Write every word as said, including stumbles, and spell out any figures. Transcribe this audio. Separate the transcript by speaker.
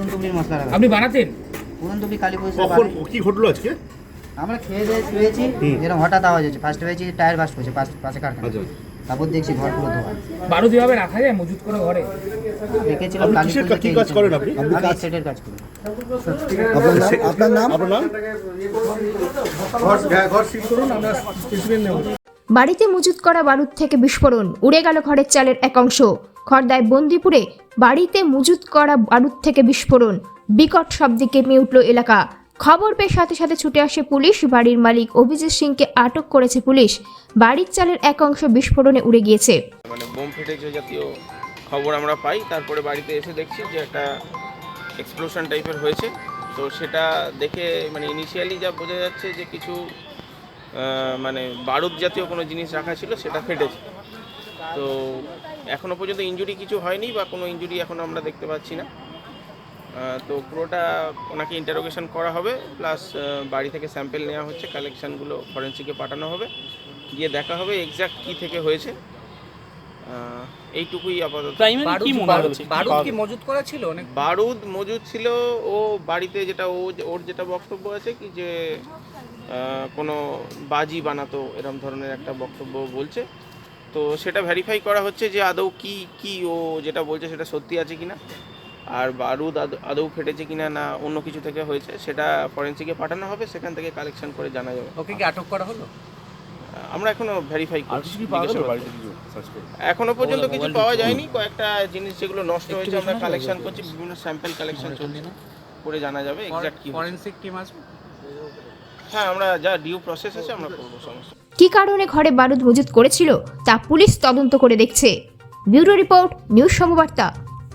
Speaker 1: পুরন টুকরির মশলা রাখা।
Speaker 2: আপনি বানাতেন?
Speaker 1: পুরন টুকরি কালী পুজো
Speaker 3: কখন কি ঘটলো আজকে?
Speaker 1: আমরা খেয়ে দিয়ে শুয়েছি, এরকম হঠাৎ আওয়াজ হচ্ছে। ফার্স্ট হয়েছি টায়ার বাস্ট হচ্ছে পাশে কারখানা, তারপর দেখছি ঘর পুরো ধোয়া।
Speaker 2: বারুদ এভাবে রাখা যায় মজুত করে ঘরে?
Speaker 1: দেখেছিলাম কালী পুজো।
Speaker 3: কি কাজ করেন আপনি?
Speaker 1: আমি সেটের কাজ করি।
Speaker 3: আপনার নাম? আপনার নাম? ঘর সিল করুন, আমরা স্পেসিমেন নেব।
Speaker 4: বাড়িতে মজুত করা বারুদ থেকে বিস্ফোরণ, উড়ে গেল ঘরের চালের এক অংশ। খড়দায় বন্দিপুরে বাড়িতে মজুত করা বারুদ থেকে বিস্ফোরণ, বিকট শব্দে কেঁপে উঠল এলাকা। খবর পেয়ে সাথে সাথে ছুটে আসে পুলিশ। বাড়ির মালিক অভিজিৎ সিংকে আটক করেছে পুলিশ। বাড়ির চালের এক অংশ বিস্ফোরণে উড়ে গিয়েছে।
Speaker 5: মানে বোম ফেটেছে জাতীয় খবর আমরা পাই, তারপরে বাড়িতে এসে দেখছি যে একটা এক্সপ্লোশন টাইপের হয়েছে। তো সেটা দেখে মানে ইনিশিয়ালি যা বোঝা যাচ্ছে যে কিছু মানে বারুদ জাতীয় কোনো জিনিস রাখা ছিল, সেটা ফেটেছে। তো এখনও পর্যন্ত ইনজুরি কিছু হয়নি বা কোনো ইনজুরি এখনও আমরা দেখতে পাচ্ছি না। তো পুরোটা ওনাকে ইন্টারোগেশন করা হবে, প্লাস বাড়ি থেকে স্যাম্পেল নেওয়া হচ্ছে, কালেকশানগুলো ফরেন্সিকে পাঠানো হবে, গিয়ে দেখা হবে এক্স্যাক্ট কী থেকে হয়েছে। এইটুকুই আপাতত।
Speaker 2: বারুদ কি মজুত করা ছিল? অনেক
Speaker 5: বারুদ মজুদ ছিল। ও বাড়িতে যেটা ও ওর যেটা বক্তব্য আছে কি যে কোনো বাজি বানাতো, এরকম ধরনের একটা বক্তব্য বলছে। তো সেটা ভেরিফাই করা হচ্ছে যে আদৌ কি কি ও যেটা বলছে সেটা সত্যি আছে কিনা, আর বারুদ আদৌ ফেটেছে কিনা না অন্য কিছু থেকে হয়েছে, সেটা ফরেন্সিকে পাঠানো হবে, সেখান থেকে কালেকশন করে জানা যাবে।
Speaker 2: ওকে কি আটক করা হলো?
Speaker 5: আমরা এখনো ভেরিফাই করছি। এখনো পর্যন্ত কিছু পাওয়া যায়নি। কয়েকটা জিনিস যেগুলো নষ্ট হয়েছে আমরা কালেকশন করছি, বিভিন্ন স্যাম্পল কালেকশন চলছে, করে জানা যাবে এক্স্যাক্ট কি।
Speaker 2: ফরেনসিক টিম আসবে?
Speaker 5: হ্যাঁ, আমরা যা ডিউ প্রসেস আছে আমরা করবো। সমস্যা
Speaker 4: কী কারণে ঘরে বারুদ মজুত করেছিল তা পুলিশ তদন্ত করে দেখছে। Bureau report, news সমবার্তা।